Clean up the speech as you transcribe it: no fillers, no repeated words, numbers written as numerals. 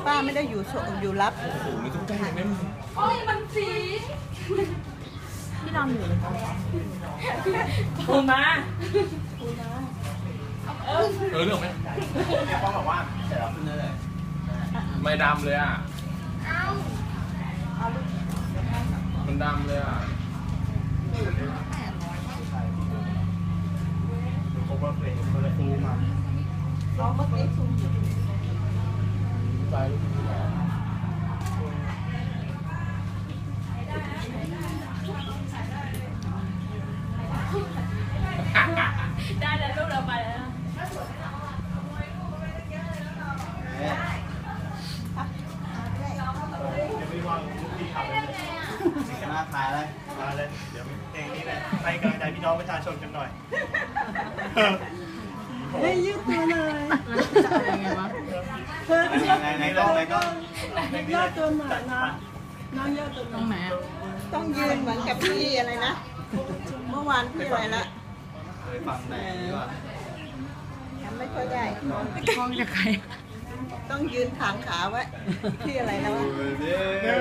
ป้าไม่ได้อยู่รับโอ้โหไม่ต้องใจเย็นโอ้ยมันสีพี่นอนอยู่ปูมาเรื่องไหมเนี่ยป้องบอกว่าเดี๋ยวเราขึ้นเลยไม่ดำเลยอ่ะมันดำเลยอ่ะผมว่าเพลงมันเลยฟูมาเราเมื่อกี้ซูมอยู่ไปได้แล้วลูกเราไปแล้วมาถ่ายเลยมาเลยเดี๋ยวเพลงนี้เลยให้กำลังใจพี่น้องประชาชนกันหน่อยเฮ้ยยืดตัวเลยจะอะไรไงวะไหนกล้องย่อตัวหน่อยนะน้องย่อตัวตรงไหนต้องยืนเหมือนกับพี่อะไรนะเมื่อวานพี่อะไรละเคยฟังแต่นี่ว่าทำไม่ค่อยได้กล้องจะใครต้องยืนถางขาไว้พี่อะไรนะวะ